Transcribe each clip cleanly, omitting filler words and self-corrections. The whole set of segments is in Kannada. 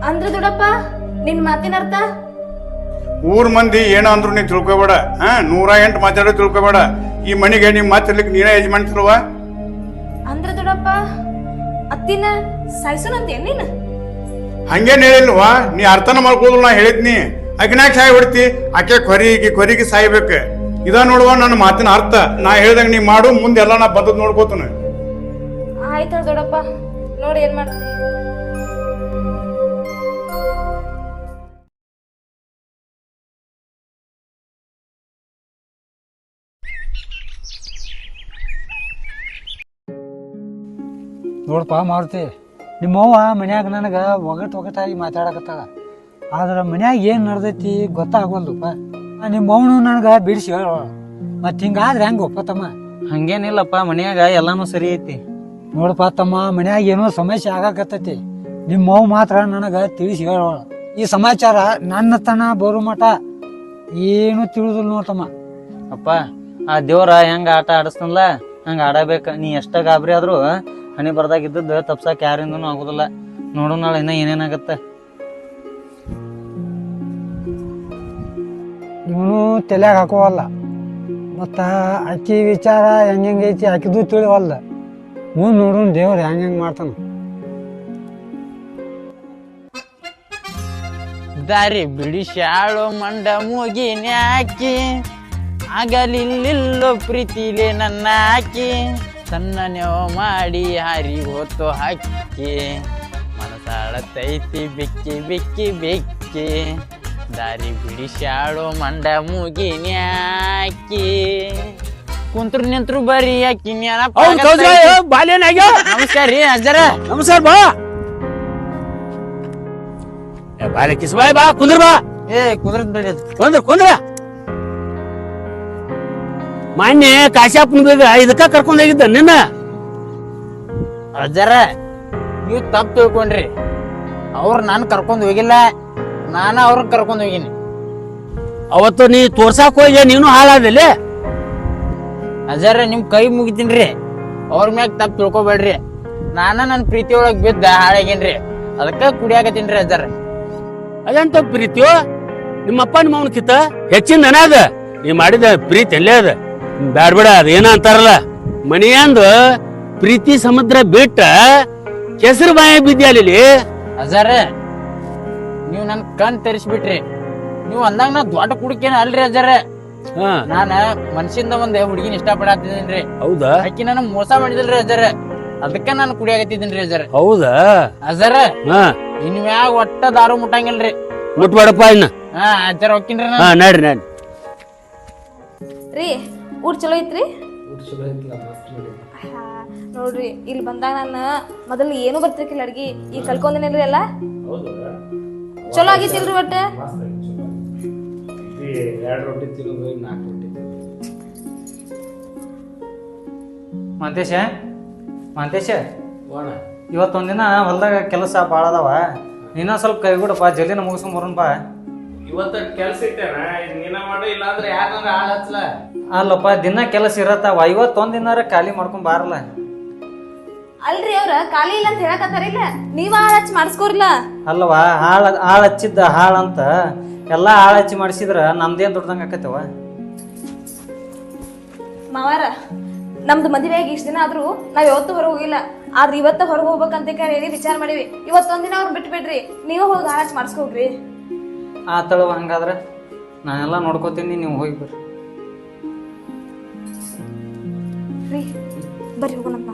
ಅಂದ್ರ ದೊಡ್ಡಪ್ಪ ನಿನ್ ಮಾತಿನ ಅರ್ಥ? ಊರ್ ಮಂದಿ ಏನೋ ಅಂದ್ರು ನೀ ತಿಳ್ಕೊಬೇಡ. 108 ಮಾತಾಡೋ ತಿಳ್ಕೊಬೇಡ. ಈ ಮನಿಗೆ ನಿಮ್ ಮಾತಿರ್ಲಿಕ್ಕೆ ನೀನೇ ಯಜಮಾನ್ತಿಲ್ವ? ಅಂದ್ರ ದೊಡ್ಡಪ್ಪ ಅತ್ತಿನ ಸಾಯ್ಸೋನಂತ ನೀನ್? ಹಂಗೇನ್ ಹೇಳಿಲ್ವಾ? ನೀ ಅರ್ಥನ ಮಾಡ್ಕೋದಿಲ್ಲ. ನಾ ಹೇಳಿದ್ನಿ ಆಕಿನಾಗ ಸಾಯಿ ಹೊಡ್ತಿ, ಆಕೆ ಕೊರಿಗೆ ಸಾಯ್ಬೇಕ. ಇದ ನೋಡುವ ನನ್ನ ಮಾತಿನ ಅರ್ಥ. ನಾ ಹೇಳ್ದಂಗ ನೀ ಮಾಡು, ಮುಂದೆಲ್ಲ ನಾ ಬಂದದ್ ನೋಡ್ಕೋತಾನ. ಆಯ್ತ ದೊಡ್ಡಪ್ಪ, ನೋಡಿ ಏನ್ ಮಾಡ್ತಿ. ನೋಡಪ್ಪ ಮಾರುತಿ, ನಿಮ್ಮವ್ವ ಮನ್ಯಾಗ ನನಗೆ ಒಗಟಾಗಿ ಮಾತಾಡಕತ್ತಾಳ. ಆದ್ರೆ ಮನ್ಯಾಗ ಏನು ನಡ್ದೈತಿ ಗೊತ್ತಾಗವಲ್ದಪ್ಪ. ನಿಮ್ಮವನು ನನಗೆ ಬಿಡಿಸಿ ಹೇಳ. ಮತ್ತು ಹಿಂಗಾದ್ರೆ ಹೆಂಗಪ್ಪ ತಮ್ಮ? ಹಂಗೇನಿಲ್ಲಪ್ಪ, ಮನ್ಯಾಗ ಎಲ್ಲಾನು ಸರಿ ಐತಿ. ನೋಡಪ್ಪ ತಮ್ಮ, ಮನ್ಯಾಗ ಏನೋ ಸಮಸ್ಯೆ ಆಗಾಕತ್ತೈತಿ. ನಿಮ್ಮವ್ವ ಮಾತ್ರ ನನಗೆ ತಿಳಿಸಿ ಹೇಳೋಳ. ಈ ಸಮಾಚಾರ ನನ್ನ ತನ ಬರೋ ಮಠ ಏನು ತಿಳಿದಿಲ್ಲ ನೋಡ್ತಮ್ಮ. ಅಪ್ಪ, ಆ ದೇವ್ರ ಹೆಂಗ ಆಟ ಆಡಿಸ್ತನ್ಲ ಹಂಗ ಆಡಬೇಕ. ನೀ ಎಷ್ಟ ಗಾಬರಿ ಆದ್ರೂ ಹಣಿ ಬರ್ದಾಗಿದ್ದದ್ದು ತಪ್ಸಕ್ ಯಾರಿಂದನೂ ಆಗುದಿಲ್ಲ. ನೋಡು ನಾಳೆ ಇನ್ನ ಏನೇನಾಗತ್ತ. ಇವನು ತಲೆಯಾಗ ಹಾಕೋವಲ್ಲ. ಮತ್ತು ಅಕ್ಕಿ ವಿಚಾರ ಹೆಂಗೈತಿ ಆಕಿದು ತಿಳಿವಲ್ದ. ಮುಂದೆ ನೋಡು ದೇವ್ರು ಹೆಂಗೆ ಮಾಡ್ತಾನ. ದಾರಿ ಬಿಡಿಸ್ಯಾಳೋ ಮಂಡ ಮೂಗಿನ್ಯಾಕಿ, ಆಗಲಿಲ್ಲೋ ಪ್ರೀತಿಲೆ ನನ್ನ ಹಾಕಿ, ಸಣ್ಣ ನೆವ ಮಾಡಿ ಹಾರಿ ಹೊತ್ತು ಹಾಕಿ, ಮನಸಾಳತೈತಿ ಬೆಕ್ಕಿ ಬೆಕ್ಕಿ ಬೆಕ್ಕಿ, ದಾರಿ ಬಿಡಿಸ್ಯಾಳೋ ಮಂಡ ಮೂಗಿನ್ಯಾಕಿ, ಕುಂತ್ರು ನಿಂತ್ರು ಬರೀ ಯಾಕಿ. ನಮಸ್ಕಾರ ರೀ ಅಜ್ಜರ. ನಮಸ್ಕಾರ ಬಾ. ಬಾಲೆ ಕಿಸ್ಬಾಯ್ ಬಾ, ಕುಂದ್ರ ಬಾ. ಕುಂದ್ರ ಕುಂದ್ರ ಮಾನ್ಯ ಕಾಶ್ಯಪ್ಪನ ಇದಕ್ಕ ಕರ್ಕೊಂಡ್ ಹೋಗಿದ್ದ ನಿನ್ನ. ಅಜ್ಜರ, ನೀವು ತಪ್ಪು ತಿಳ್ಕೊಂಡ್ರಿ. ಅವ್ರು ನಾನು ಕರ್ಕೊಂಡ್ ಹೋಗಿಲ್ಲ, ನಾನು ಅವ್ರನ್ನ ಕರ್ಕೊಂಡ್ ಹೋಗಿನಿ. ಅವತ್ತು ನೀ ತೋರ್ಸಾಕ್ ಹೋಗಿ ನೀನು ಹಾಳಾದಲ್ಲಿ. ಅಜ್ಜರ, ನಿಮ್ ಕೈ ಮುಗಿತೀನ್ರಿ. ಅವ್ರ ಮ್ಯಾಗ ತಪ್ಪು ತಿಳ್ಕೊಬೇಡ್ರಿ. ನಾನ ನನ್ನ ಪ್ರೀತಿ ಒಳಗ್ ಬಿದ್ದ ಹಾಳಾಗೇನ್ರಿ, ಅದಕ್ಕ ಕುಡಿಯಾಕತ್ತೀನ್ರಿ ಅಜ್ಜರ. ಅದಂತ ಪ್ರೀತಿಯೋ ನಿಮ್ಮಪ್ಪ ನಿಮ್ಮ ಅವನ ಕಿತ್ತ ಹೆಚ್ಚಿನ ದನ ಅದ. ನೀ ಮಾಡಿದ ಪ್ರೀತಿ ಎಲ್ಲೇ ಅದ. ಬ್ಯಾಡ್ಬೇಡ, ಅದ ಏನ ಅಂತಾರಲ್ಲ, ಮನೆಯಂದು ಪ್ರೀತಿ ಸಮುದ್ರ ಬಿಟ್ಟ ಕೆಸರು ಬಾಯ ಬಿದ್ದಿ. ಅಜ್ಜರ, ನೀವ್ ನನ್ ಕಣ್ ತರಿಸ್ಬಿಟ್ರಿ. ನೀವ್ ಅಂದಂಗ ನಾ ದೊಡ್ಡ ಕುಡಿಕೇನ ಅಲ್ರಿ ಅಜ್ಜರ. ನಾನ ಮನ್ಸಿಂದ ಒಂದ್ ಹುಡುಗಿನ ಇಷ್ಟ ಪಡಾತಿದ್ದೀನ್ರಿ. ಹೌದಾ? ಆಕಿ ನಾನು ಮೋಸ ಮಾಡಿದಲ್ರಿ ಅಜ್ಜರ, ಅದಕ್ಕ ನಾನು ಕುಡಿಯಾಕತ್ತಿದ್ದೀನ್ರಿ ಅಜ್ಜರ. ಹೌದಾ? ಅಜ್ಜರ, ಇನ್ ಮ್ಯಾಗ ಒಟ್ಟ ದಾರು ಮುಟ್ಟಂಗಿಲ್ರಿ. ಮುಟ್ಬೇಡಪ್ಪ ಇನ್ನ. ಅಜ್ಜರ ಹೋಗ್ತೀನ್ರಿ. ನಡ್ರಿ ನಡ್ರಿ ರೀ, ಊಟ ಚಲೋ ಐತ್ರಿ? ನೋಡ್ರಿ, ಇಲ್ಲಿ ಬಂದಾಗ ನಾನು ಮೊದಲು ಏನು ಬರ್ತಿರ್ಕಿಲ್ಲ ಅಡ್ಗಿ, ಈಗ ಕಲ್ಕೊಂಡಿನೇನ್ರಿ ಎಲ್ಲ. ಚಲೋ ಆಗಿತ್ತಿಲ್ರಿ ಒಟ್ಟ? ಮಂತೇಶ, ಇವತ್ತೊಂದಿನ ಹೊಲ್ದಾಗ ಕೆಲಸ ಭಾಳ ಅದಾವ. ನೀನ ಸ್ವಲ್ಪ ಕೈಗೂಡಪ್ಪ, ಜಲ್ದಿನ ಮುಗಿಸ್ಕೊಂಬರೋಣಪ್ಪ. ಇವತ್ತ ಕೆಲ್ಸ ಇಟ್ಟೇನ ನೀನ ಮಾಡು, ಇಲ್ಲಾಂದ್ರೆ ಯಾಕಂದ್ರೆ ಆಳ್ ಹಚ್ಚಲ. ಅಲ್ಲಪ್ಪ, ದಿನ ಕೆಲಸ ಇರತ್ತಾವ. ಇವತ್ತೊಂದಿನಾರ ಖಾಲಿ ಮಾಡ್ಕೊಂಡ್ ಬಾರಲ್ಲ. ಅಲ್ರಿ, ಅವ್ರ ಖಾಲಿ ಇಲ್ಲ ಅಂತ ಹೇಳಕತ್ತಾರಿಲ್ಲ, ನೀವ ಹಚ್ಚಿ ಮಾಡಿಸ್ಕೋರಿಲ್ಲ. ಅಲ್ವಾ, ಆಳ್ ಹಚ್ಚಿದ್ದ ಹಾಳಂತ ಎಲ್ಲಾ ಆಳ್ ಹಚ್ಚಿ ಮಾಡಿಸಿದ್ರ ನಮ್ದೇನ್ ದೊಡ್ಡದಂಗ ಆಕತ್ತವ. ಮಾವಾರ, ನಮ್ದು ಮದುವೆಯಾಗಿ ಇಷ್ಟ ದಿನ ಆದ್ರೂ ನಾವ್ ಯಾವತ್ತೂ ಹೊರಗೆ ಹೋಗಿಲ್ಲ. ಆದ್ರೆ ಇವತ್ತ ಹೊರಗೆ ಹೋಗ್ಬೇಕಂತ ಹೇಳಿ ವಿಚಾರ ಮಾಡಿವಿ. ಇವತ್ತೊಂದಿನ ಅವ್ರ ಬಿಟ್ಟು ಬಿಡ್ರಿ, ನೀವ ಹೋಗಿ ಹಾಳ್ ಹಚ್ಚಿ ಮಾಡಿಸ್ಕೋಗ್ರಿ. ಆತಳವ, ಹಂಗಾದ್ರ ನಾನೆಲ್ಲ ನೋಡ್ಕೋತೀನಿ, ನೀವು ಹೋಗಿ ಬರ್ರಿ. ರೀ, ಬರ್ರಿ ಹೋಗೋಣಪ್ಪ.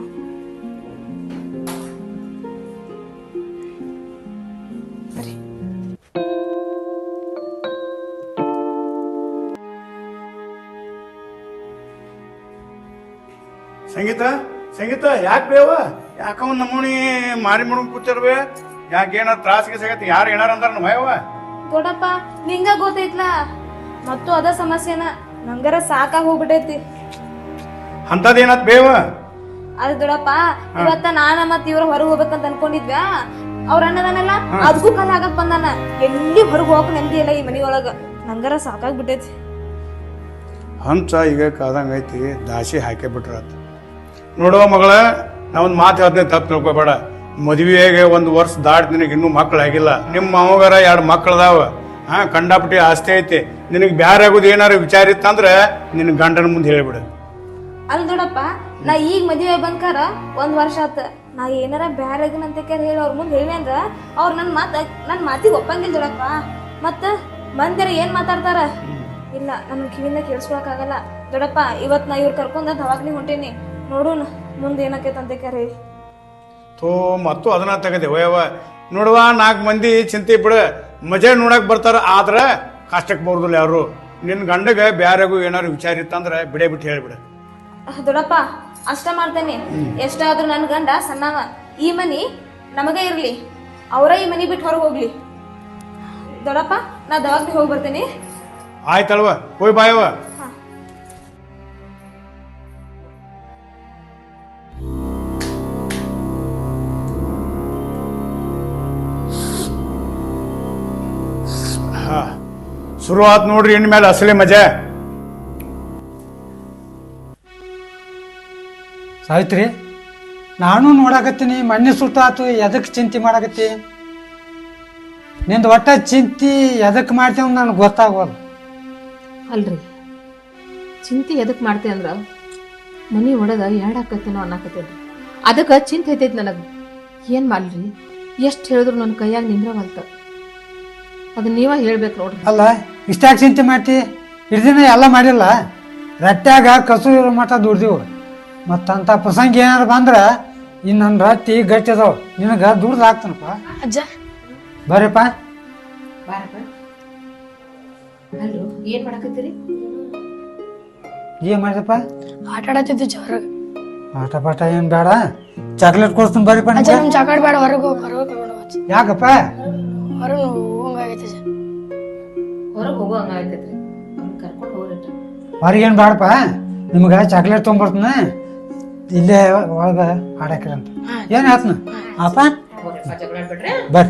ಸಂಗೀತ ಯಾಕೆ ಬೇವ? ಯಾಕವ್ ನಮ್ಮನಿ ಮಾರಿ ಮುಡ್ಕೊಂಡ್ ಕೂತಿರ್ಬೇ? ಯಾಕೇನ ತ್ರಾಸಿಗೆ ಸಿಗತ್ತೆ? ಯಾರು ಏನಾರ ಅಂದಾರ ನಮ್ಮ ಯವ್ವ? ದೊಡ್ಡಪ್ಪ, ನಿಂಗ ಗೊತ್ತೈತ್ಲಾ, ಮತ್ತು ಅದ ಸಮಸ್ಯೆನ ನಂಗರ ಸಾಕಾಗಿ ಹೋಗ್ಬಿಟ್ಟೈತಿ. ಅಂತದೇನತ್ ಬೇವ? ಅದ್ ದೊಡ್ಡಪ್ಪ, ಇವತ್ತ ನಾನ ಮತ್ ಇವ್ರ ಹೊರಗೆ ಹೋಗ್ಬೇಕಂತ ಅನ್ಕೊಂಡಿದ್ವ್ಯಾ. ಅವ್ರ ಅನ್ನದಾನಲ್ಲ ಅದಕ್ಕೂ ಕಾಲ ಆಗಕ್ ಬಂದಾನ. ಎಲ್ಲಿ ಹೊರಗೆ ಹೋಗಕ್ ನೆಮ್ಮದಿ ಇಲ್ಲ ಈ ಮನಿಯೊಳಗ. ನಂಗರ ಸಾಕಾಗ್ಬಿಟ್ಟೈತಿ. ಹಂಚ ಈಗ ಕಾದಂಗ ಐತಿ, ದಾಸಿ ಹಾಕೇ ಬಿಟ್ರಾತ. ನೋಡುವ ಮಗಳ, ನಾ ಒಂದು ಮಾತು ಹೇಳ್ತೇನೆ, ತಪ್ಪು ತಿಳ್ಕೊಬೇಡ. ಮದುವೆಗೆ 1 ವರ್ಷ ದಾಟ್ ನಿನಗೆ ಇನ್ನೂ ಮಕ್ಕಳಾಗಿಲ್ಲ. ನಿಮ್ಮ ಮಾವಗಾರ 2 ಮಕ್ಕಳದಾವ. ಕಂಡಾಪಟ್ಟಿ ಆಸ್ತಿ ಐತಿ. ನಿನಗೆ ಬ್ಯಾರೆ ಆಗೋದು ಏನಾರು ವಿಚಾರ ಇತ್ತಂದ್ರೆ ನಿನ್ನ ಗಂಡನ ಮುಂದೆ ಹೇಳಿಬಿಡು. ಅಲ್ ದೊಡಪ್ಪ, ನಾ ಈಗ ಮದುವೆ ಬಂದ್ಕಾರ 1 ವರ್ಷ ಆತ. ನಾ ಏನಾರ ಬ್ಯಾರೆ ಅಂತ ಹೇಳಿ ಅವ್ರ ಮುಂದೆ ಹೇಳಿ ಅಂದ್ರ ಅವ್ರು ನನ್ನ ಮಾತಿಗೆ ಒಪ್ಪಂಗಿಲ್ಲ ದೊಡಪ್ಪ. ಮತ್ತ ಮಂದಿರ ಏನ್ ಮಾತಾಡ್ತಾರ? ಇಲ್ಲ, ನನ್ ಕಿವಿಯಿಂದ ಕೇಳಿಸ್ಕೊಳಕಾಗಲ್ಲ ದೊಡಪ್ಪ. ಇವತ್ ನಾ ಇವ್ರು ಕರ್ಕೊಂಡ್ ದವಾಗ್ಲಿ ಹೊಂಟೇನಿ. ನೋಡೋಣ ಮುಂದೆ ಏನಕ್ಕೈತೆ ಅಂತ ಹೇಳಿ. ಥೋ, ಮತ್ತು ಅದನ್ನ ತೆಗದೆ ವಯವ ನೋಡುವ. 4 ಮಂದಿ ಚಿಂತೆ ಬಿಡು, ಮಜಾ ನೋಡಕ್ ಬರ್ತಾರ. ಆದ್ರ ಕಷ್ಟಕ್ಕೆ ಬರೋದಿಲ್ಲ ಯಾರು. ನಿನ್ನ ಗಂಡಗ ಬ್ಯಾರೆಗೂ ಏನಾರು ವಿಚಾರ ಇತ್ತಂದ್ರೆ ಬಿಡೇ ಬಿಟ್ಟು ಹೇಳ್ಬಿಡು. ದೊಡಪ್ಪ, ಅಷ್ಟ ಮಾಡ್ತೇನೆ. ಎಷ್ಟಾದ್ರೂ ನನ್ ಗಂಡ ಸಣ್ಣವ. ಈ ಮನಿ ನಮಗ ಇರ್ಲಿ, ಅವರ ಈ ಮನಿ ಬಿಟ್ಟು ಹೊರಗೆ ಹೋಗ್ಲಿ. ದೊಡಪ್ಪ, ನಾ ದವಾಗ್ಲಿ ಹೋಗಿ ಬರ್ತೇನೆ. ಆಯ್ತಲ್ವ, ಹೋಯ್ ಬಾಯವ. ಶುರು ಆತ್ ನೋಡ್ರಿ ಇನ್ಮೇಲೆ ಅಸಲಿ ಮಜಾ. ಸಾವಿತ್ರಿ, ನಾನು ನೋಡಾಕತ್ತೀನಿ. ಮೊನ್ನೆ ಸುಟ್ಟಾತು, ಎದಕ್ಕೆ ಚಿಂತೆ ಮಾಡಾಕತ್ತಿ? ನಿಂದು ಒಟ್ಟ ಚಿಂತೆ ಎದಕ್ಕೆ ಮಾಡ್ತೇವ ನನಗೆ ಗೊತ್ತಾಗೋದು. ಅಲ್ರಿ, ಚಿಂತೆ ಎದಕ್ಕೆ ಮಾಡ್ತೆ ಅಂದ್ರ ಮನಿ ಒಳಗ ಎರಡಾಕತ್ತೇನೋ ಅನ್ನಕತ್ತೇನ್ರಿ. ಅದಕ್ಕೆ ಚಿಂತೆ ಐತೈತಿ ನನಗೆ. ಏನು ಮಾಡ್ಲಿ? ಎಷ್ಟು ಹೇಳಿದ್ರು ನನ್ನ ಕೈಯಾಗ ನಿಂದ್ರವಲ್ತ. ಅದನ್ನ ನೀವ ಹೇಳ್ಬೇಕು ನೋಡ್ರಿ. ಅಲ್ಲ, ಇಷ್ಟಾಗಿ ಚಿಂತೆ ಮಾಡ್ತಿ? ಹಿಡ್ದಿನ ಎಲ್ಲ ಮಾಡಿಲ್ಲ. ರಟ್ಟ್ಯಾಗ ಕಸು ಇರೋ ಮಠ ದುಡ್ದಿವು. ಮತ್ತಂತ ಪ್ರಸಂಗ ಏನಾರು ಬಂದ್ರೆ ಇನ್ನು ನನ್ನ ರಟ್ಟಿ ಗಟ್ಟಿ ಅದಾವ. ನಿನಗೆ ದುಡ್ದು ಹಾಕ್ತಾನಪ್ಪ. ಅಜ್ಜ ಬರ್ರಿಪ್ಪ. ಅಲ್ರು, ಏನ್ ಮಾಡಕತ್ತೀರಿ? ಏನ್ ಮಾಡಿದಪ್ಪ? ಆಟ ಆಡತ್ತಿದ್ದೆ ಹೊರಗೆ. ಆಟ ಪಾಠ ಏನ್ ಬೇಡ, ಚಾಕ್ಲೇಟ್ ಕೊಡ್ತೀನಿ ಬರ್ರಿಪ್ಪ. ನಮ್ ಚಾಕಾಡ್ ಬೇಡ, ಹೊರಗೆ ಕರ್ಕೊಂಡು ಹೋಗ್ತಿ. ಯಾಕಪ್ಪ? ಹೊರಗೆ ಹೋಗಂಗಾಗೈತೆ. ಹೊರಗೆ ಹೋಗೋ ಹಂಗಾಯ್ತೈತ್ರಿ, ಕರ್ಕೊಂಡು ಹೋಗ್ರಿ. ಹೊರಗೇನು ಬೇಡಪ್ಪ, ನಿಮ್ಗೆ ಚಾಕ್ಲೇಟ್ ತೊಗೊಂಬರ್ತೀನಿ. ಇಲ್ಲೇ ಒಳಗ ಆಡಾಕಿರಂತ. ಏನ್ ಆತ್ನ ಅಪ್ಪ? ಬರ್ರಿ.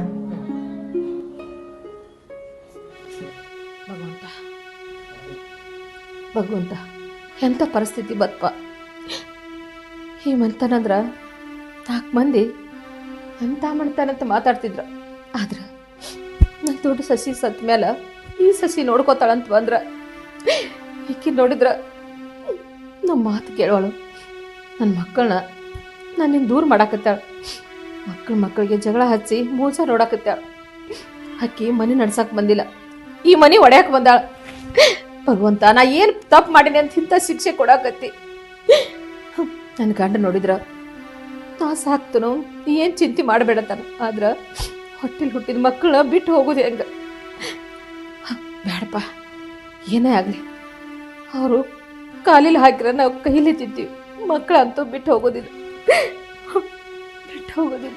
ಭಗವಂತ, ಎಂಥ ಪರಿಸ್ಥಿತಿ ಬತ್ಪ. ಈ ಮಂತನಂದ್ರ 4 ಮಂದಿ ಎಂಥ ಮಾಡ್ತಾನಂತ ಮಾತಾಡ್ತಿದ್ರ. ಆದ್ರ ನನ್ನ ದೊಡ್ಡ ಸಸಿ ಸತ್ ಮೇಲೆ ಈ ಸಸಿ ನೋಡ್ಕೋತಾಳಂತ ಬಂದ್ರ ಈಕಿ ನೋಡಿದ್ರ ನಮ್ಮ ಮಾತು ಕೇಳೋಳು. ನನ್ನ ಮಕ್ಕಳನ್ನ ನನ್ನಿಂದ ದೂರ ಮಾಡಾಕತ್ತಾಳ. ಮಕ್ಕಳಿಗೆ ಜಗಳ ಹಚ್ಚಿ ಮೋಸ ನೋಡಾಕತ್ತಾಳ. ಅಕ್ಕಿ ಮನೆ ನಡ್ಸಕ್ ಬಂದಿಲ್ಲ, ಈ ಮನೆ ಒಡೆಯಕ್ ಬಂದಾಳ. ಭಗವಂತ, ನಾ ಏನು ತಪ್ಪು ಮಾಡೀನಿ ಅಂತ ಇಂಥ ಶಿಕ್ಷೆ ಕೊಡಾಕತ್ತಿ. ನನ್ನ ಗಂಡ ನೋಡಿದ್ರ ನಾ ಸಾಕ್ತನು, ಏನು ಚಿಂತೆ ಮಾಡಬೇಡತಾನ. ಆದ್ರ ಹೊಟ್ಟೆಲಿ ಹುಟ್ಟಿದ ಮಕ್ಕಳನ್ನ ಬಿಟ್ಟು ಹೋಗೋದು ಹೆಂಗ? ಬೇಡಪ್ಪ, ಏನೇ ಆಗಲಿ ಅವರು ಕಾಲಿಲಿ ಹಾಕಿರ ನಾವು ಕೈಲಿ ತಿಂತೀವಿ. ಮಕ್ಕಳಂತೂ ಬಿಟ್ಟು ಹೋಗೋದಿಲ್ಲ, ಬಿಟ್ಟು ಹೋಗೋದಿಲ್ಲ.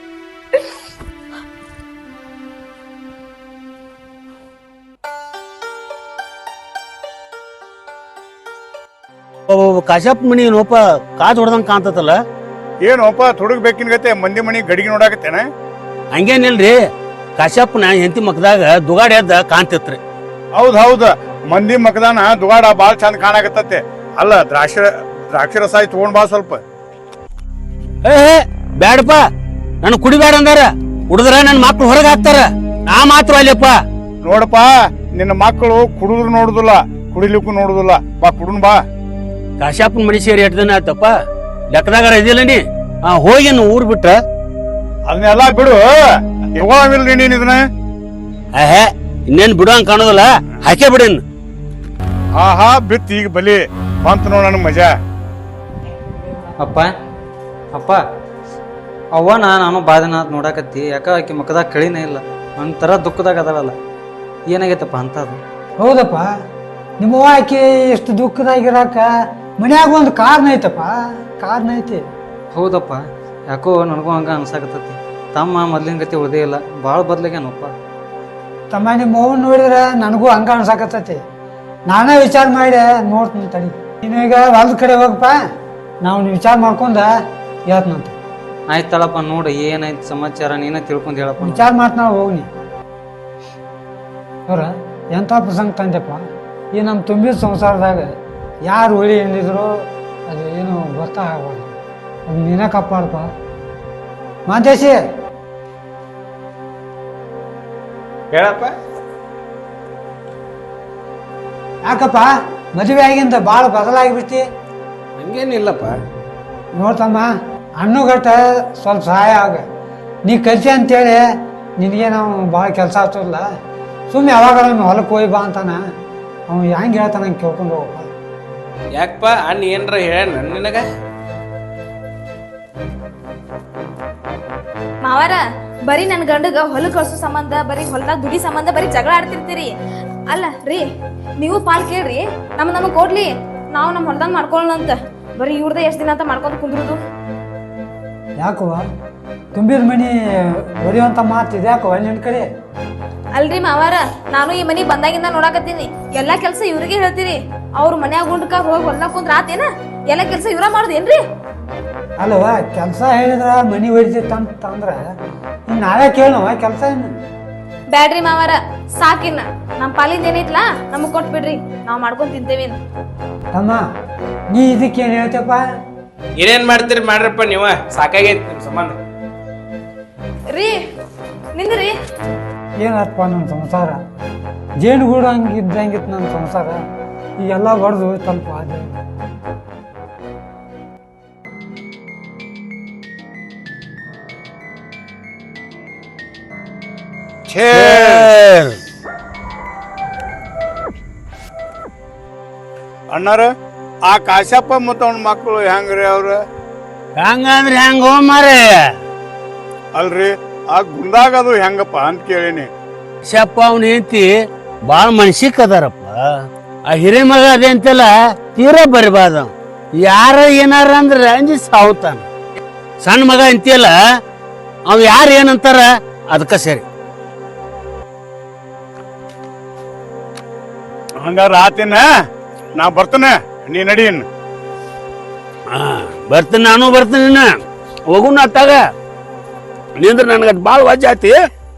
ಕಾಶ್ಯಪ್ ಮನಿ ಏನೋಪ ಕಾಜ್ ಹೊಡೆದಂಗ ಕಾಣ್ತತಲ್ಲ. ಏನೋಪ ತುಡುಗ್ ಬೇಕಿನ ಗತೆ ಮಂದಿ ಮನಿ ಗಡಿಗೆ ನೋಡಾಕತ್ತೇನ? ಹಂಗೇನಿಲ್ರಿ, ಕಾಶ್ಯಪ್ನ ಹೆಂಡತಿ ಮಕ್ಕದಾಗ ದುಗಾಡಿ ಎದ್ದ ಕಾಣ್ತಿತ್ರಿ. ಹೌದ್ ಮಂದಿ ಮಕದಾನ ದುಗಾಡ ಬಾಳ ಚಂದ ಕಾಣಾಕತ್ತತೆ. ಅಲ್ಲ, ದ್ರಾಕ್ಷಿ ರಸ ತಗೊಂಡ್ ಬಾ ಸ್ವಲ್ಪ. ಬ್ಯಾಡಪ್ಪ, ನನ್ ಕುಡಿಬೇಡ ಅಂದಾರ. ಕುಡಿದ್ರ ನನ್ ಮಕ್ಳು ಹೊರಗೆ ಹಾಕ್ತಾರ, ನಾ ಮಾತ್ರ ಅಲ್ಲಪ್ಪ. ನೋಡಪ್ಪ, ನಿನ್ನ ಮಕ್ಕಳು ಕುಡಿದ್ರು ನೋಡುದಿಲ್ಲ, ಕುಡಿಲಿಕ್ಕೂ ನೋಡುದಿಲ್ಲ. ಬಾ ಕುಡುನ್ ಬಾ. ಕಾಶ್ಯಪ್ಪನ ಮನಿ ಸೇರಿ 8 ದಿನ ಆಯ್ತಪ್ಪ. ಲೆಕ್ಕದಾಗಾರ ಇದಿಲ್ಲ ನೀ. ಹೋಗಿ ಊರ್ ಬಿಟ್ಟ ಅದನ್ನೆಲ್ಲ ಬಿಡು. ತಗೋಮಿಲ್ರಿ ನೀನ್ ಇದನ್ನ. ಇನ್ನೇನ್ ಬಿಡುವಂಗ ಕಾಣೋದಿಲ್ಲ, ಹಾಕೇ ಬಿಡಿನ್. ಆಹಾ, ಬಿತ್ ಈಗ ಬಲಿ ಬಂತ ನೋಡ ನನ್ ಮಜಾ. ಅಪ್ಪ ಅಪ್ಪ ಅವ್ವ ನಾನು ಬಾದನ ನೋಡಾಕತ್ತಿ. ಯಾಕ ಆಕಿ ಮುಖದಾಗ ಕಳಿನೇ ಇಲ್ಲ, ಒಂಥರ ದುಃಖದಾಗ ಅದಳಲ್ಲ. ಏನಾಗೈತಪ್ಪ ಅಂತದು? ಹೌದಪ್ಪ, ನಿಮ್ಮವ್ವ ಆಕಿ ಎಷ್ಟು ದುಃಖದಾಗಿರಾಕ ಮನ್ಯಾಗ ಒಂದು ಕಾರಣ ಐತಪ್ಪ, ಕಾರಣ ಐತಿ. ಹೌದಪ್ಪ, ಯಾಕೋ ನನಗೂ ಹಂಗ ಅನ್ಸಾಕತ್ತತಿ. ತಮ್ಮ ಮೊದ್ಲಿನ ಗತಿ ಉಳ್ದೇ ಇಲ್ಲ, ಭಾಳ ಬದ್ಲಾಗ್ಯಾನಪ್ಪ. ತಮ್ಮ ನಿಮ್ಮವ್ವನ್ ನೋಡಿದ್ರೆ ನನಗೂ ಹಂಗ ಅನ್ಸಾಕತ್ತೈತಿ. ನಾನೇ ವಿಚಾರ ಮಾಡಿ ನೋಡ್ತೀನಿ ತಡಿ. ನೀನು ಈಗ ಹೊಲದ ಕಡೆ ಹೋಗಪ್ಪ, ನಾವು ವಿಚಾರ ಮಾಡ್ಕೊಂಡ ಹೇಳ್ತನಂತ. ಆಯ್ತಳಪ್ಪ, ನೋಡು ಏನಾಯ್ತು ಸಮಾಚಾರ ನೀನೇ ತಿಳ್ಕೊಂಡು ಹೇಳಪ್ಪ. ವಿಚಾರ ಮಾಡ್ತಾ ಹೋಗ್ನಿ. ಅವ್ರ ಎಂಥ ಪ್ರಸಂಗ ತಂದೆಪ್ಪ. ಈ ನಮ್ಮ ತುಂಬಿದ ಸಂಸಾರದಾಗ ಯಾರು ಒಳ್ಳೆ ಏನಿದ್ರು ಅದು ಏನು ಗೊತ್ತಾಗಬಾರ್ದು. ಅದು ನೀನೇ ಕಾಪಾಡಪ್ಪ. ಮಾಂತೇಶಿ ಹೇಳಪ್ಪ. ಯಾಕಪ್ಪ ಮದುವೆ ಆಗಿಂದ ಭಾಳ ಬದಲಾಗಿಬಿಡ್ತಿ. ಹಂಗೇನಿಲ್ಲಪ್ಪ. ನೋಡ್ತಮ್ಮ ಹಣ್ಣುಗಟ್ಟ ಸ್ವಲ್ಪ ಸಹಾಯ ಆಗ. ನೀ ಕಲ್ತಿ ಅಂತೇಳಿ ನಿನಗೆ ನಾವು ಭಾಳ ಕೆಲಸ ಆಗ್ತದಲ್ಲ, ಸುಮ್ಮನೆ ಯಾವಾಗ ಹೊಲಕ್ಕೆ ಹೋಗಿ ಬಾ ಅಂತಾನ. ಅವ್ನು ಹೆಂಗೆ ಹೇಳ್ತಾನ ಹಂಗೆ ಕೇಳ್ಕೊಂಡು ಹೋಗಪ್ಪ. ಯಾಕಪ್ಪ ಅಣ್ಣ ಏನ್ರ ಹೇಳ ನಿನಗ? ಮಾವಾರ ಬರೀ ನನ್ ಗಂಡಗ ಹೊಲ ಕಳ್ಸೋ ಸಂಬಂಧ, ಬರೀ ಹೊಲದಾಗ ದುಡಿ ಸಂಬಂಧ ಬರೀ ಜಗಳ ಆಡ್ತಿರ್ತೀರಿ. ಅಲ್ಲ ರೀ, ನೀವು ಪಾಲ್ ಕೇಳ್ರಿ, ನಮಗ್ ಕೊಡ್ಲಿ, ನಾವು ನಮ್ಮ ಹೊಲದಾಗ ಮಾಡ್ಕೊಳ್ಳೋಣ ಅಂತ. ಬರೀ ಇವ್ರದ ಎಷ್ಟ್ ದಿನ ಅಂತ ಮಾಡ್ಕೊಂಡ್ ಕುಂದ್ರುದು. ಯಾಕವ್ವ ತುಂಬಿದ ಮನಿ ಹೊಡಿಯುವಂಥ ಮಾತು ಇದ್ಯಾಕವ ನಿನ್ನ ಕಡೆ? ಅಲ್ರಿ ಮಾವಾರ, ನಾನು ಈ ಮನಿ ಬಂದಾಗಿಂದ ನೋಡಾಕತ್ತೀನಿ. ಎಲ್ಲಾ ಕೆಲ್ಸ ಇವ್ರಿಗೆ ಹೇಳ್ತೀರಿ. ಅವ್ರ ಮನ್ಯಾಗ ಗುಂಡ್ಕ ಹೋಗಿ ಹೊಲ್ದಾಗ ಕುಂದ್ರ ಆತೇನ? ಎಲ್ಲಾ ಕೆಲ್ಸ ಇವ್ರ ಮಾಡುದೇನ್ರಿ? ಅಲ್ಲವ ಕೆಲಸ ಹೇಳಿದ್ರ ಮನಿ ಹೊಡಿತಂತ ಅಂದ್ರೆ ಇನ್ನು ನಾವೇ ಕೇಳವ ಕೆಲಸ ಏನು? ಬ್ಯಾಡ್ರಿ ಮಾವಾರ, ಸಾಕಿನ್ನ ನಮ್ ಪಾಲಿಂದ ಏನೈತ್ಲಾ ನಮಗ್ ಕೊಟ್ಬಿಡ್ರಿ, ನಾವ್ ಮಾಡ್ಕೊಂಡ್ ತಿಂತೇವಿ. ತಮ್ಮ ನೀ ಇದಕ್ಕೇನು ಹೇಳ್ತಪ್ಪ? ಏನೇನ್ ಮಾಡ್ತೀರಿ ಮಾಡ್ರಪ್ಪ ನೀವ, ಸಾಕಾಗೈತಿ ನಿಮ್ ಸಂಬಂಧ. ರೀ ನಿಂದ್ರಿ. ಏನಪ್ಪ ನನ್ನ ಸಂಸಾರ ಜೇನುಗೂಡು ಹಂಗಿದ್ದಂಗಿತ್ತು ನನ್ನ ಸಂಸಾರ. ಈಗೆಲ್ಲ ಬಡ್ದು ಸ್ವಲ್ಪ ಅದೇ. ಅಣ್ಣಾರ ಆ ಕಾಶಪ್ಪ ಮತ್ತು ಅವನ ಮಕ್ಕಳು ಹೆಂಗ್ರಿ ಅವ್ರ? ಹೆಂಗಂದ್ರೆ ಹೆಂಗ ಮಾರೇ? ಅಲ್ರಿ ಆ ಗುಂಡಾಗ ಅದು ಹೆಂಗಪ್ಪ ಅಂತ ಕೇಳೀನಿ. ಶಪ್ಪ ಅವ್ನ ಹೆಂಡತಿ ಬಾಳ ಮನ್ಸಿಕ್ ಅದಾರಪ್ಪ. ಆ ಹಿರೇ ಮಗ ಅದೇ ಅಂತೆಲ್ಲ ತೀರಾ ಬರಿಬಾರ್ದ. ಯಾರ ಏನಾರ ಅಂದ್ರ ಅಂಜಿ ಸಾವುತಾನ. ಸಣ್ಣ ಮಗ ಅಂತೀಯಲ್ಲ, ಅವ್ ಯಾರು ಏನಂತಾರ ಅದಕ್ಕ ಸರಿ. ಹಂಗಾರ ಆತೇನ, ನಾ ಬರ್ತೇನೆ, ನೀ ನಡೀನ್. ಬರ್ತೀನಿ, ನಾನು ಬರ್ತೀನಿ. ಹೋಗುನ ಅತ್ತಾಗ ನಿಂದ್ರ ನನ್ಗ ಬಾಳ ವಾಜ್ ಆತಿ.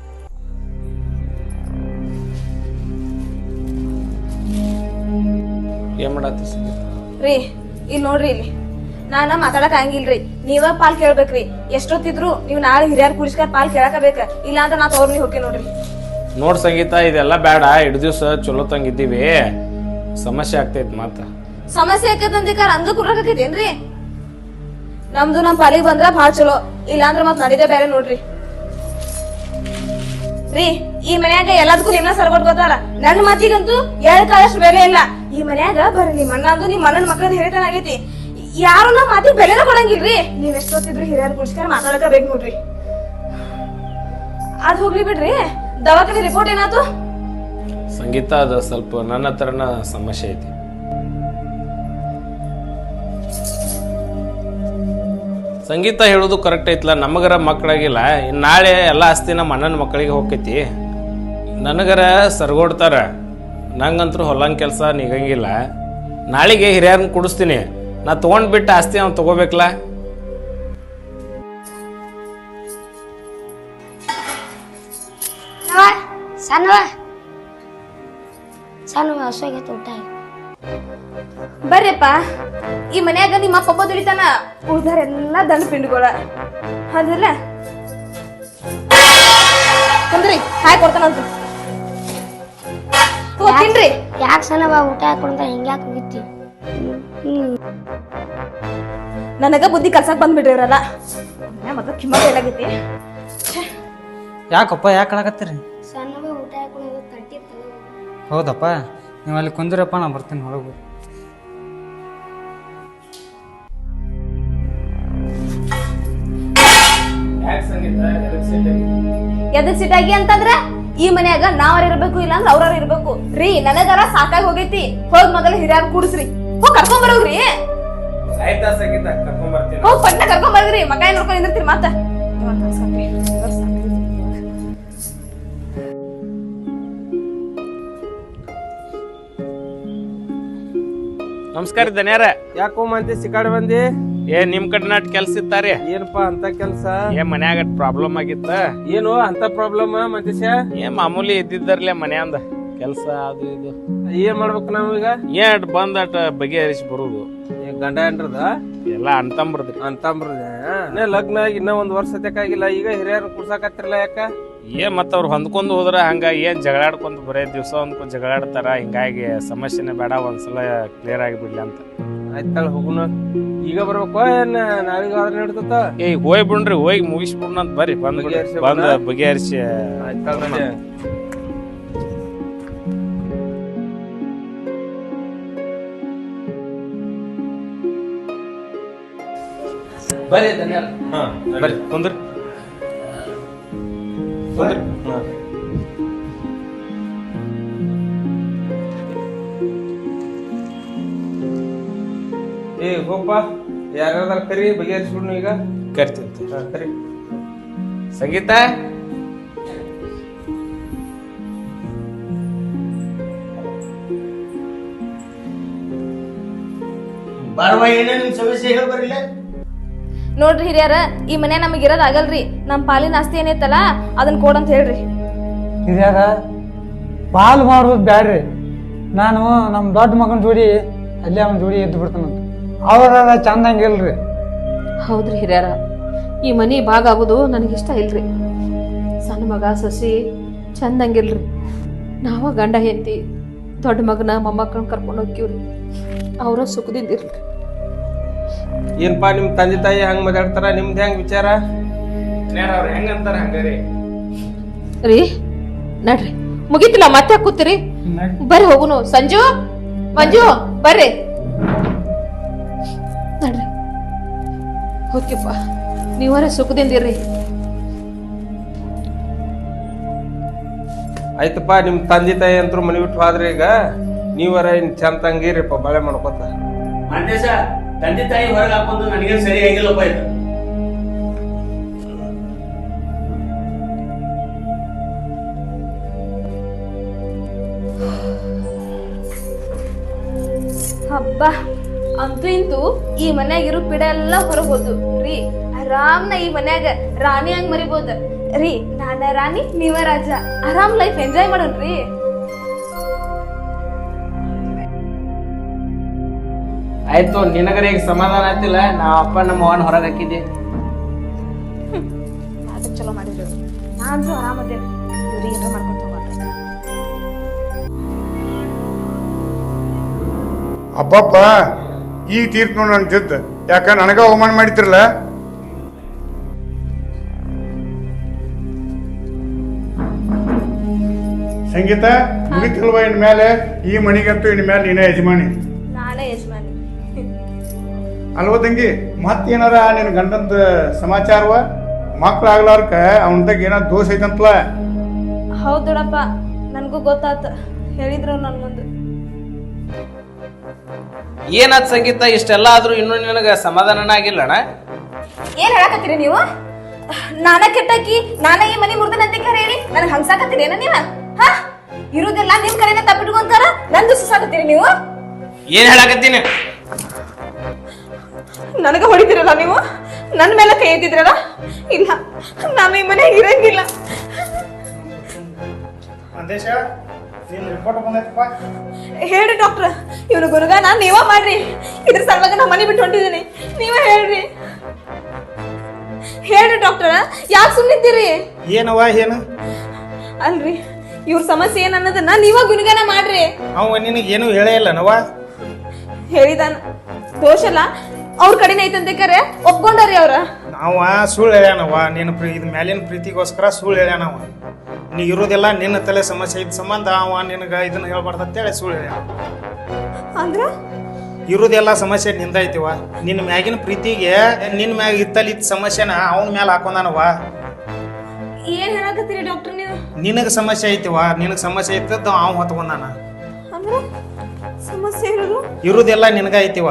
ಏನ್ ಮಾಡತ್ತಿ? ರೀ ಇಲ್ಲಿ ನೋಡ್ರಿ, ಇಲ್ಲಿ ನಾನ ಮಾತಾಡಕ್ ಹಂಗಿಲ್ರಿ, ನೀವ ಪಾಲ್ ಕೇಳ್ಬೇಕ್ರಿ. ಎಷ್ಟೊತ್ತಿದ್ರು ನೀವ್ ನಾಳೆ ಹಿರಿಯರ್ ಕುಡಿಸ್ಕಾರ ಪಾಲ್ ಕೇಳಕಬೇಕ, ಇಲ್ಲ ಅಂತ ನಾ ತೋರ್ ನೀವ್ ಹೋಗಿ ನೋಡ್ರಿ. ನೋಡ್ ಸಂಗೀತ, ಇದೆಲ್ಲ ಬೇಡ. ಇಡ್ ದಿವ್ಸ ಚಲೋ ತಂಗಿದ್ದೀವಿ, ಸಮಸ್ಯೆ ಆಗ್ತೈತಿ. ಮತ್ತ ಸಮಸ್ಯೆ ಆಕತ್ತಂದಿಕಾರ ಅಂದ ಕುಡ್ರಾಕೈತೇನ್ರಿ? ನಮ್ದು ನಮ್ ಪಾಲಿಗೆ ಬಂದ್ರ ಭಾಳ ಚಲೋ, ಇಲ್ಲ ಅಂದ್ರ ಮತ್ ನಡಿದೆ ಬೇರೆ ನೋಡ್ರಿ. ರೀ ಈ ಮನ್ಯಾಗ ಎಲ್ಲದಕ್ಕೂ ನಿಮ್ನ ಸರ್ಗೊಟ್ಕೋತಾರ, ನನ್ ಮಾತಿಗಂತೂ ಕಾಳಷ್ಟು ಬೆಲೆ ಇಲ್ಲ. ಈ ಮನ್ಯಾಗ ಬರ್ರಿ ನಿಮ್ ಅಣ್ಣ ಅಂದು ನಿಮ್ ಅಣ್ಣನ ಮಕ್ಕಳದ ಹಿರಿತನ ಆಗೈತಿ. ಯಾರು ನಮ್ ಮಾತಿಗೆ ಬೆಲೆನ ಕೊಡಂಗಿಲ್ರಿ. ನೀವ್ ಎಷ್ಟೊತ್ತಿದ್ರು ಹಿರಿಯರ್ ಕುಡಿಸ್ಕಾರ ಮಾತಾಡಕ ಬೇಕು ನೋಡ್ರಿ. ಅದ್ ಹೋಗ್ಲಿ ಬಿಡ್ರಿ, ದವಾಖಾನೆ ರಿಪೋರ್ಟ್ ಏನಾಯ್ತು? ಸಂಗೀತ ಅದ ಸ್ವಲ್ಪ ನನ್ನ ಹತ್ರನ ಸಮಸ್ಯೆ ಐತಿ. ಸಂಗೀತ ಹೇಳೋದು ಕರೆಕ್ಟ್ ಐತ್ಲ, ನಮಗರ ಮಕ್ಕಳಾಗಿಲ್ಲ. ಇನ್ ನಾಳೆ ಎಲ್ಲ ಆಸ್ತಿ ನಮ್ಮ ಅಣ್ಣನ ಮಕ್ಕಳಿಗೆ ಹೋಗ್ತೈತಿ. ನನಗರ ಸರ್ಗೋಡ್ತಾರ, ನಂಗಂತೂ ಹೊಲಂಗ ಕೆಲಸ ನಿಗಂಗಿಲ್ಲ. ನಾಳೆಗೆ ಹಿರಿಯರನ್ನ ಕುಡಿಸ್ತೀನಿ, ನಾ ತಗೊಂಡ್ಬಿಟ್ಟು ಆಸ್ತಿ ಅವ್ನು ತಗೋಬೇಕಲ್ಲ. ಸಣ್ಣ ಹಸುವಾಗೈತೆ ಊಟ. ಬರ್ರಿಪ್ಪ, ಈ ಮನ್ಯಾಗ ನಿಮ್ಮ ಅಪ್ಪ ದುಡಿತಾನ, ಉಳ್ದಾರೆಲ್ಲ ದಂಡ ಪಿಂಡ್ಗಳ ಅದಲ್ಲ ಕುಂದ್ರಿ, ಹಾಯ್ ಕೊಡ್ತಾನಂತ ತಿನ್ರಿ. ಯಾಕೆ ಸಣ್ಣ ಊಟ ಹಾಕೊಂಡ ಹಿಂಗ್ಯಾಕೆ ಹೋಗಿತ್ತಿ? ನನಗ ಬುದ್ಧಿ ಕಲ್ಸಕ್ ಬಂದ್ಬಿಡ್ರಿ ಇವ್ರಲ್ಲ. ಮತ್ತ ಕಿಮ್ಮತ್ ಎಲ್ಲಾಗೈತಿ. ಯಾಕಪ್ಪ ಯಾಕೆ ಕಳಕತ್ತೀರಿ? ಸಣ್ಣ ಊಟ ಹಾಕೊಂಡು ತಟ್ಟಿ ತಗೋ. ಹೌದಪ್ಪ, ನೀವು ಅಲ್ಲಿ ಕುಂದಿರಪ್ಪ, ನಾ ಬರ್ತೀನಿ ಹೊರಗೆ. ಎದಕ್ ಸಿಟ್ಟಾಗಿ ಅಂತಂದ್ರ ಈ ಮನ್ಯಾಗ ನಾವ್ರ ಇರ್ಬೇಕು, ಇಲ್ಲ ಅಂದ್ರ ಅವ್ರ ಇರ್ಬೇಕು. ರೀ ನನಗರ ಸಾಕಾಗಿ ಹೋಗೈತಿ. ಹೋಗ್ ಮೊದಲ ಹಿರಿಯರ್ ಕೂಡಿಸ್ರಿ, ಹೋಗ್ ಕರ್ಕೊಂಡ್ ಬರೋಗ್ರಿ. ಆಯ್ತಾ ಸಂಗೀತ, ಕರ್ಕೊಂಡ್ ಬರ್ತೀನಿ. ಹೋಗ್ ಪಟ್ನ ಕರ್ಕೊಂಡ್ ಬರ್ರಿ, ಮಕ ಏನ್ ನೋಡ್ಕೊಂಡ್ ನಿಂದಿರ್ತೀರಿ ಮತ್ತ. ನಮಸ್ಕಾರ ಧನ್ಯಾರ. ಯಾಕೋ ಮಂದಿ ಸಿಕ್ಕಾಡಿ ಬಂದಿ? ನಿಮ್ ಕಡೆ ನಾಟ್ ಕೆಲ್ಸ ಇತ್ತಾರಿ? ಏನಪ್ಪಾ ಅಂತ ಕೆಲ್ಸ? ಮನ್ಯಾಗ ಪ್ರಾಬ್ಲಮ್ ಆಗಿತ್ತ. ಏನು ಅಂತ ಪ್ರಾಬ್ಲಮ್ ಮಂತೇಶ? ಮಾಮೂಲಿ ಇದ್ದಿದ್ದರ್ಲೆ ಮನ್ಯಾಂದ. ಕೆಲಸ ಅದು ಇದು ಏನ್ ಮಾಡ್ಬೇಕು ನಾವೀಗ? ಏಟ್ ಬಂದಟ ಬಗೆಹರಿಸಿ ಬರುದು. ಗಂಡ ಹೆಂಡ್ರದ ಎಲ್ಲ ಅಂತಂಬ್ರದ್ರಿ. ಅಂತಂಬ್ರದ ಲಗ್ನ ಆಗಿ ಇನ್ನ 1 ವರ್ಷ ತೆಕ್ಕಾಗಿಲ್ಲ, ಈಗ ಹಿರಿಯರ್ ಕುಡ್ಸಾಕತ್ತಿರಲ್ಲ ಯಾಕ? ಏನ್ ಮತ್ತ ಅವ್ರು ಹೊಂದ್ಕೊಂಡು ಹೋದ್ರ ಹಂಗಾಗಿ ಏನ್ ಜಗಳಾಡ್ಕೊಂತ ಬರೇ ದಿವ್ಸ ಒಂದ್ಕೊಂಡ್ ಜಗಳಾಡ್ತಾರ. ಹಿಂಗಾಗಿ ಸಮಸ್ಯೆನೇ ಬೇಡ, ಒಂದ್ಸಲ ಕ್ಲಿಯರ್ ಆಗಿಬಿಡ್ಲಿ ಅಂತ. ಆಯ್ತಾಳ ಹೋಗುನು. ಈಗ ಬರ್ಬೇಕು ಏನ್ ನಾಳೆಗ ಆದ್ರೆ ನಡ್ತತ? ಹೋಗಿ ಬಿಡ್ರಿ, ಹೋಗಿ ಮುಗಿಸ್ಬಿಡ್ನ ಅಂತ ಬರ್ರಿ. ಬಂದ್ ಬಗೆಹರಿಸಿ ಆಯ್ತಾಳ ಬರ್ರಿ ಧನ್ಯವಾದ. ಬರ್ರಿ ಕುಂದ್ರಿ. ಹೋಗಪ್ಪ, ಯಾರ್ಯಾರ ಕರಿ ಬಗೆಹರಿಸ್ಬಿಡ್ನು ಈಗ. ಕರಿತೀನಿ. ಕರಿ. ಸಂಗೀತ, ನೋಡ್ರಿ ಹಿರಿಯರ, ಈ ಮನೆ ನಮಗ್ ಇರೋದ್ ಆಗಲ್ರಿ. ನಮ್ ಪಾಲಿನ ಆಸ್ತಿ ಏನೈತಲ್ಲ ಅದನ್ನ ಕೊಡಂತ ಹೇಳ್ರಿ. ಹಿರಿಯಾರ ಪಾಲ್ ಮಾಡೋದು ಬ್ಯಾಡ್ರಿ. ನಾನು ನಮ್ಮ ದೊಡ್ಡ ಮಗನ ಜೋಡಿ ಅಲ್ಲೇ ಅವನ ಜೋಡಿ ಎದ್ದು ಬಿಡ್ತಾನಂತ. ಅವ್ರ ಚಂದಂಗಿಲ್ರಿ. ಹೌದ್ರಿ ಹಿರಿಯರ, ಈ ಮನಿ ಭಾಗ ಆಗೋದು ನನಗಿಷ್ಟ ಇಲ್ರಿ. ಸಣ್ಣ ಮಗ ಸಸಿ ಚಂದಂಗಿಲ್ರಿ. ನಾವ ಗಂಡ ಹೆಂಡತಿ ದೊಡ್ಡ ಮಗನ ಮೊಮ್ಮಕ್ಕಳನ್ನ ಕರ್ಕೊಂಡು ಹೋಗ್ತೀವ್ರಿ. ಅವರ ಸುಖದಿಂದ ಇರ್ಲಿ. ಏನ್ಪಾ ನಿಮ್ ತಂದೆ ತಾಯಿ ಹಂಗ ಮಾತಾಡ್ತಾರ, ನಿಮ್ದು ಹೆಂಗ್ ವಿಚಾರ? ಅವ್ರು ಹೆಂಗಂತಾರ ಹಂಗಾರಿ. ರೀ ನಡ್ರಿ, ಮುಗಿತಿಲ್ಲ ಮತ್ತೆ ಕೂತಿರಿ. ಬರ್ರಿ ಹೋಗುನು. ಸಂಜು, ಮಂಜು ಬರ್ರಿ ನಡ್ರಿ. ಓಕೆಪ್ಪ, ನೀವರ ಸುಖದಿಂದ ಇರ್ರಿ. ಆಯ್ತಪ್ಪ, ನಿಮ್ ತಂದೆ ತಾಯಿ ಅಂತೂ ಮನಿ ಬಿಟ್ಟು ಹೋದ್ರಿ. ಈಗ ನೀವರ ಇನ್ ಚಂದ ತಂಗಿರಿಪ್ಪ, ಬಾಳೆ ಮಾಡ್ಕೊತ. ಮಂದೇಶ ತಂದೆ ತಾಯಿ ಹೊರಗೆ ಹಾಕೊಂಡು ನನಗೇನು ಸರಿ ಆಗಿಲ್ಲಪ್ಪ ಇದು. ಹಬ್ಬ, ಅಂತೂ ಇಂತೂ ಈ ಮನ್ಯಾಗ ಇರೋ ಪಿಡ ಎಲ್ಲ ಹೊರಗೆ ಹೋದು ರೀ. ಆರಾಮ್ನ ಈ ಮನ್ಯಾಗ ರಾಣಿ ಹಂಗ್ ಮರಿಬೋದು ರೀ. ನಾನ ರಾಣಿ, ನೀವ ರಾಜ. ಆರಾಮ್ ಲೈಫ್ ಎಂಜಾಯ್ ಮಾಡೋಣ್ರಿ. ಆಯ್ತು, ನಿನಗರ ಈಗ ಸಮಾಧಾನ ಆಯ್ತಿಲ್ಲ. ನಾ ಅಪ್ಪ ನಮ್ಮ ಅವನ್ ಹೊರಗೆ ಹಾಕಿದ್ದೆ. ಅದಕ್ಕೆ ಚಲೋ ಮಾಡಿದ್ರು. ನಾನ್ರು ಆರಾಮದೇವ್ರಿ. ಇವ್ರಿಗೆ ಏನಾರ ಮಾಡ್ಕೊಂತ ಹೋಗ್ರಿ. ಅಬ್ಬಬ್ಬ, ಈಗ ತೀರ್ತು ನೋಡಿ ನನ್ನ ಜಿದ್ದು. ಯಾಕ ನನಗ ಅವಮಾನ ಮಾಡಿದ್ರಲ್ಲ. ಸಂಗೀತ, ಮುಗಿತಿಲ್ವ ಇನ್ ಮೇಲೆ? ಈ ಮಣಿಗಂತೂ ಇನ್ ಮೇಲೆ ನೀನೇ ಯಜಮಾನಿ. ನಾನೇ ಯಜಮಾನಿ ಅಲ್ವ ತಂಗಿ? ಮತ್ತೇನಾರ ನಿನ್ ಗಂಡಂದ ಸಮಾಚಾರವ? ಮಕ್ಳು ಆಗ್ಲಾರ್ಕ ಅವನದಾಗ ಏನಾರ ದೋಷ ಐತಂತಲ? ಹೌದ್ ದೊಡಪ್ಪ, ನನ್ಗೂ ಗೊತ್ತಾತ. ಹೇಳಿದ್ರು ನನ್ ಮುಂದೆ. ಏನಾದ್ ಸಂಗೀತ, ಇಷ್ಟೆಲ್ಲ ಆದ್ರೂ ಇನ್ನೂ ನಿನಗ ಸಮಾಧಾನ ಆಗಿಲ್ಲಣ್ಣ? ಏನ್ ಹೇಳಕತ್ತೀರಿ ನೀವು? ನಾನ ಕೆಟ್ಟಾಕಿ, ನಾನ ಈ ಮನಿ ಮುರ್ದನಂತ ಹೇಳಿ ನನಗ್ ಹಂಗ್ಸಾಕತ್ತೀರಿ ಏನ ನೀವ? ಹಾ, ಇರುದೆಲ್ಲ ನಿಮ್ ಕಡೆನೇ ತಪ್ಪಿಟ್ಕೊಂತಾರ, ನನ್ ದುಸ್ಸಾಕತ್ತೀರಿ ನೀವು? ಏನ್ ಹೇಳಕತ್ತೀನಿ? ನನಗ ಹೊಡಿತೀರಲ್ಲ ನೀವು? ನನ್ ಮೇಲೆ ಕೈ ಎತ್ತಿದ್ರಲ್ಲ? ಇಲ್ಲ, ನಾನು ಈ ಮನೆ ಇರಂಗಿಲ್ಲ. ಹೇಳ್ರಿ ಡಾಕ್ಟರ್, ಇವನು ಗುರುಗಾನ ನೀವ ಮಾಡ್ರಿ. ಇದ್ರ ಸಲುವಾಗಿ ನಾ ಮನೆ ಬಿಟ್ಟು ಹೊಂಟಿದ್ದೀನಿ. ನೀವ ಹೇಳ್ರಿ. ಹೇಳ್ರಿ ಡಾಕ್ಟರ್, ಯಾಕೆ ಸುಮ್ಮನಿದ್ದೀರಿ? ಏನವ ಏನು? ಅಲ್ರಿ, ಇವ್ರ ಸಮಸ್ಯೆ ಏನ್ ಅನ್ನೋದನ್ನ ನೀವ ಗುಣಗಾನ ಮಾಡ್ರಿ. ಅವ ನಿನಗೆ ಏನು ಹೇಳೇ ಇಲ್ಲ ನವ? ಹೇಳಿದಾನ. ದೋಷ ಅಲ್ಲ ಅವ್ರ ಕಡೆನೇ ಐತಂತೆ ಕರೆ ಒಪ್ಕೊಂಡಾರಿ ಅವ್ರ. ನಾವ ಸುಳ್ಳು ಹೇಳ್ಯಾನವ. ನಿನ್ನ ಇದ್ ಮ್ಯಾಲಿನ ಪ್ರೀತಿಗೋಸ್ಕರ ಸುಳ್ಳು ಹೇಳ್ಯಾನವ. ನೀ ಇರೋದೆಲ್ಲ ನಿನ್ನ ತಲೆ ಸಮಸ್ಯೆ ಇದ್ ಸಂಬಂಧ ಅವ ನಿನಗ ಇದನ್ನ ಹೇಳ್ಬಾರ್ದು ಅಂತೇಳಿ ಸುಳ್ಳು ಹೇಳ್ಯಾನ. ಅಂದ್ರ ಇರೋದೆಲ್ಲ ಸಮಸ್ಯೆ ನಿಂದ ಐತಿವ. ನಿನ್ನ ಮ್ಯಾಗಿನ ಪ್ರೀತಿಗೆ ನಿನ್ನ ಮ್ಯಾಗ ಇತ್ತಲ್ಲಿ ಸಮಸ್ಯೆನ ಅವನ ಮ್ಯಾಲ ಹಾಕೊಂಡಾನವ. ಏನ್ ಹೇಳಕತ್ತೀರಿ ಡಾಕ್ಟರ್ ನೀವು? ನಿನಗ ಸಮಸ್ಯೆ ಐತಿವ. ನಿನಗ ಸಮಸ್ಯೆ ಇದ್ದದ್ದು ಅವ ಹೊತ್ಕೊಂಡಾನ. ಅಂದ್ರ ಸಮಸ್ಯೆ ಇರೋದು ಇರೋದೆಲ್ಲ ನಿನಗ ಐತಿವ.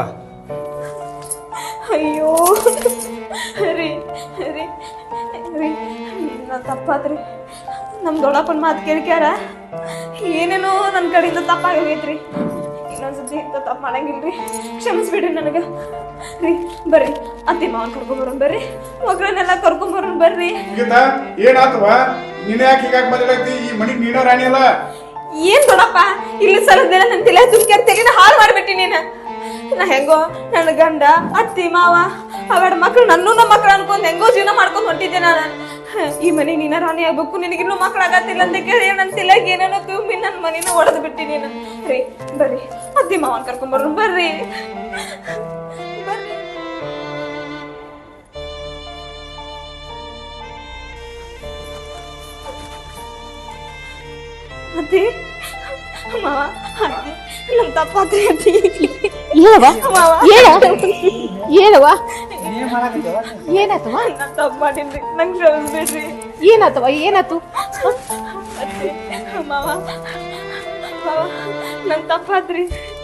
ಅಯ್ಯೋ ರೀ ರೀ ರೀ, ನಾ ತಪ್ಪಾದ್ರಿ. ನಮ್ ದೊಡ್ಡಪ್ಪನ ಮಾತು ಕೇಳ್ಕ್ಯಾರ ಏನೇನೋ ನನ್ನ ಕಡೆಯಿಂದ ತಪ್ಪಾಗಿ ಹೋಗೈತ್ರಿ. ಇನ್ನೊಂದ್ಸತಿ ಇಂಥ ತಪ್ಪು ಮಾಡಂಗಿಲ್ರಿ. ಕ್ಷಮಿಸ್ಬಿಡ್ರಿ ನನಗ ರೀ. ಬರ್ರಿ, ಅತ್ತಿ ಮಾವನ್ ಕರ್ಕೊಂಬರೋಣ ಬರ್ರಿ. ಮಗಳನ್ನೆಲ್ಲ ಕರ್ಕೊಂಬರೋಣ ಬರ್ರಿ. ಏನಾತವ? ನೀನ್ ಯಾಕೆ ಹೀಗಾಗಿ ಬದಲಾಗ್ತಿ? ಈ ಮನಿಗ್ ನೀನ ರಾಣಿ ಅಲ್ಲ? ಏನ್ ದೊಡ್ಡಪ್ಪ ಇಲ್ಲಿ ಸಲದಿಲ್ಲ ನನ್ ತಲೆ ತುಂಬ್ಕ್ಯಾರ ತೆಗೆದ ಹಾಳು ಮಾಡ್ಬಿಟ್ಟಿ ನೀನ. ನಾ ಹೆಂಗೋ ನನ್ನ ಗಂಡ ಅತ್ತಿ ಮಾವ ಅವೆರಡು ಮಕ್ಳು ನನ್ನೂ ನಮ್ಮ ಮಕ್ಳು ಅನ್ಕೊಂಡ್ ಹೆಂಗೋ ಜೀವನ ಮಾಡ್ಕೊಂಡ್ ಹೊಂಟಿದ್ದೆ ನಾನು. ಈ ಮನೆ ನೀನ ರಾಣಿ ಆಗ್ಬೇಕು, ನಿನಗಿನ್ನೂ ಮಕ್ಳಾಗತ್ತಿಲ್ಲ ಅಂತ ಕೇಳಿ ನನ್ ತಲೆಗೆ ಏನೇನೋ ತುಂಬಿ ನನ್ ಮನೇನ ಒಡೆದು ಬಿಟ್ಟಿ ನೀನು. ರೀ ಬರ್ರಿ ಅತ್ತಿ ಮಾವನ್ ಕರ್ಕೊಂಡ್ಬರ್ರಿ, ಬರ್ರಿ ಬರ್ರಿ. ಅತ್ತಿ ಮಾವ ಅತ್ತಿ ನಮ್ ತಪ್ಪಾತ್ರಿ ಅತ್ತಿ. ಏನವ ಮಾವ ಏನವ ಏನಾತವ? ನಾನ್ ತಪ್ಪು ಮಾಡಿನ್ರಿ, ನಂಗ್ ಕ್ಷಮಿಸ್ಬಿಡ್ರಿ. ಏನಾತವ ಏನಾತು? ಅತ್ತಿ ಮಾವ ಮಾವ ನನ್ ತಪ್ಪಾದ್ರಿ.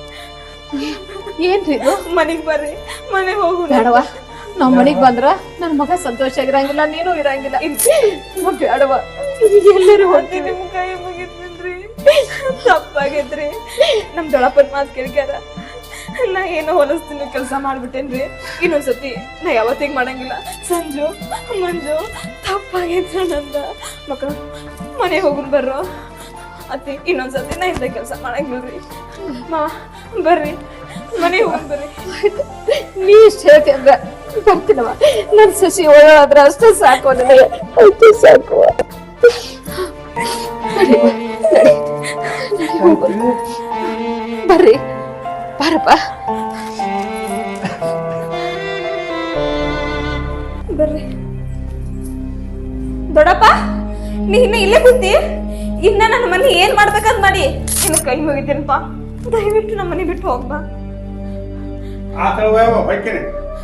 ಏನ್ರಿ ಇದು? ಮನೆಗ್ ಬರ್ರಿ, ಮನೆಗ್ ಹೋಗು. ಬೇಡವ, ನಾವ್ ಮನೆಗ್ ಬಂದ್ರ ನನ್ ಮಗ ಸಂತೋಷ ಆಗಿರಂಗಿಲ್ಲ, ನೀನು ಇರಂಗಿಲ್ಲ. ಬೇಡವ, ಎಲ್ಲರೂ ಅತ್ತಿ ನಿಮ್ ಕೈ ಮುಗಿದ್ರಿ, ತಪ್ಪಾಗೈತ್ರಿ. ನಮ್ ದೊಡ್ಡಪ್ಪನ ಮಾತು ಕೇಳ್ಕ್ಯಾರ ನಾ ಏನೋ ಹೊಲಸ್ತೀನಿ ಕೆಲಸ ಮಾಡ್ಬಿಟ್ಟೇನ್ರಿ. ಇನ್ನೊಂದ್ಸತಿ ನಾ ಯಾವತ್ತಿಗೆ ಮಾಡಂಗಿಲ್ಲ. ಸಂಜು ಮಂಜು ತಪ್ಪಾಗೈತ್ರ ನಂದ. ಮಕ್ಕಳು ಮನೆ ಹೋಗುನ್ ಬರ್ರೋ. ಅತ್ತಿ ಇನ್ನೊಂದ್ಸತಿ ನಾ ಇಂಥ ಕೆಲಸ ಮಾಡಂಗಿಲ್ರಿ. ಮಾವ ಬರ್ರಿ, ಮನೆ ಹೋಗುನ್ ಬರ್ರಿ. ನೀ ಇಷ್ಟ ಹೇಳ್ತಿ ಅಂದ್ರ ಬರ್ತೀನವ. ನನ್ ಸಸಿ ಒಳ್ಳಾದ್ರ ಅಷ್ಟೇ ಸಾಕು ನನಗೆ, ಅಷ್ಟೇ ಸಾಕು. ಬರ್ರಿ ಬಾರಪ್ಪ. ಬರ್ರಿ ದೊಡ್ಡಪ್ಪ, ನೀ ಇನ್ನ ಇಲ್ಲೇ ಕೂತಿ. ಇನ್ನ ನನ್ನ ಮನೆ ಏನ್ ಮಾಡ್ಬೇಕಂತ ಮಾಡಿ ನಿನ್ನ ಕೈ ಮುಗಿತೀನಪ್ಪ. ದಯವಿಟ್ಟು ನಮ್ಮ ಮನೆ ಬಿಟ್ಟು ಹೋಗ್ಬಾ. ಆತಳ ಹೊಯ್ಕೇನೆ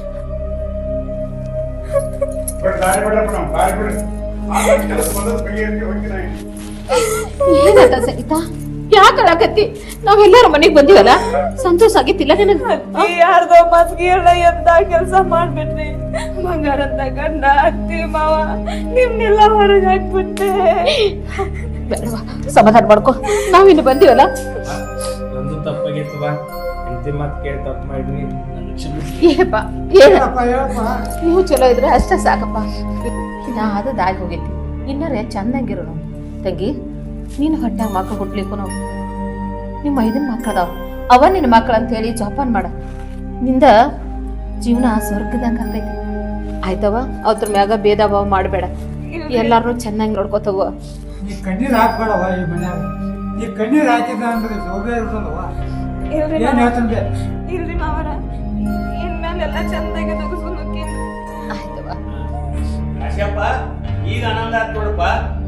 ದಾರಿ ಬಿಡ್ರಪ್ಪ, ನಾವು ದಾರಿ ಬಿಡ್ರಿ. ಕೆಲಸ ಬಂದದ್ದು ಕೈ ಅಂತ ಹೋಗ್ತೀನಿ. ಏನಾತ ಸಂಗೀತ? ಯಾಕೆ ಅಳಕತ್ತಿ? ನಾವೆಲ್ಲಾರ ಮನೆಗ್ ಬಂದಿವಲ್ಲ, ಸಂತೋಷ ಆಗಿತ್ತಿಲ್ಲ ನಿನಗ? ಯಾರ್ದೋ ಮಸ್ಗಿ ಹೇಳ ಎಂತ ಕೆಲಸ ಮಾಡ್ಬಿಟ್ರಿ. ಬಂಗಾರ ಅಂತ ಗಂಡ ಅತ್ತಿ ಮಾವ ನಿಮ್ನೆಲ್ಲ ಹೊರಗೆ ಹಾಕ್ಬಿಟ್ಟೆ. ಬೇಡವಾ, ಸಮಾಧಾನ ಮಾಡ್ಕೊ. ನಾವಿನ್ನು ಬಂದಿವಲ್ಲ. ನಂದು ತಪ್ಪಾಗಿತ್ತವ, ಹೆಂಡತಿ ಮಾತು ಕೇಳಿ ತಪ್ಪು ಮಾಡ್ರಿ, ನನಗೆ ಕ್ಷಮಿಸಿ. ಏನಪ್ಪ ಏನ ನೀವು ಚಲೋ ಇದ್ರೆ ಅಷ್ಟೇ ಸಾಕಪ್ಪ. ನಾ ಅದು ದಾಗಿ ಹೋಗೈತಿ, ಇನ್ನರೇ ಚಂದಂಗಿರೋಣ. ತಂಗಿ, ನೀನು ಹೊಟ್ಟಾಗ ಮಕ್ಳು ಹುಟ್ಲಿಕ್ಕೂ ನಿಮ್ಮ 5 ಮಕ್ಕಳದಾವ, ಅವ ನಿನ್ನ ಮಕ್ಕಳು ಅಂತ ಹೇಳಿ ಜೋಪಾನ ಮಾಡ. ನಿಂದ ಜೀವನ ಸ್ವರ್ಗದಂಗ ಆಕೈತಿ. ಆಯ್ತವ, ಅದ್ರ ಮ್ಯಾಗ ಭೇದ ಭಾವ ಮಾಡಬೇಡ. ಎಲ್ಲಾರು ಚೆನ್ನಾಗಿ ನೋಡ್ಕೋತವ. ನೀ ಕಣ್ಣೀರ್ ಹಾಕ್ಬೇಡವ ಈ ಮನ್ಯಾಗ. ನೀ ಕಣ್ಣೀರ್ ಹಾಕಿದ ಅಂದ್ರೆ ಸೌಭ್ಯ ಇರ್ತದವ. ಇಲ್ರಿ ಏನ್ ಹೇಳ್ತಂದೆ? ಇಲ್ರಿ ಮಾವರ, ಇನ್ಮೇಲೆಲ್ಲ ಚಂದಾಗಿ ತಗಸ್ಕೊಂಡು ಹೋಗ್ತೀನಿ. ಆಯ್ತವ. ಆಶಪ್ಪ, ಈಗ ಆನಂದ ಆತ್ ನೋಡಪ್ಪ.